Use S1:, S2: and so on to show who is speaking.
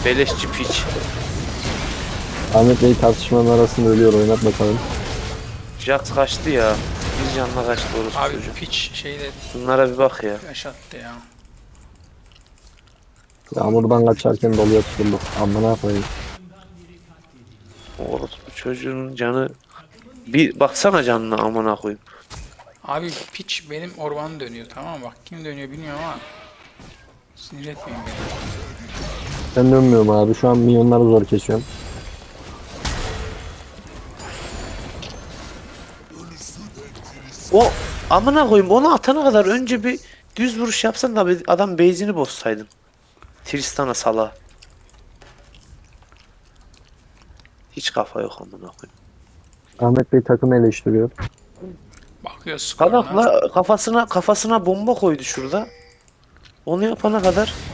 S1: Beleşçi piç.
S2: Ahmet Bey tartışmanın arasında ölüyor, oynat bakalım.
S1: Jax kaçtı ya. Bir canla kaçtı orası
S3: Abi
S1: çocuğu.
S3: piç şeyle
S1: Bunlara bir bak ya.
S3: flash attı ya.
S2: Yağmurdan kaçarken doluya tutulduk. Amına koyayım.
S1: Orası bu çocuğun canı. Bir baksana canına amına koyayım.
S3: Abi piç benim ormanı dönüyor, tamam mı? Bak kim dönüyor bilmiyorum ama sinir etmeyin beni.
S2: Ben dönmüyorum abi. Şu an milyonları zor kesiyorum.
S1: O amına koyayım onu atana kadar önce bir düz vuruş yapsan da adam base'ini bozsaydın. Tristan'a sala. Hiç kafa yok amına koyayım.
S2: Ahmet Bey takımı eleştiriyor.
S3: Bakıyor skoruna.
S1: Salakla kafasına bomba koydu şurada. Onu yapana kadar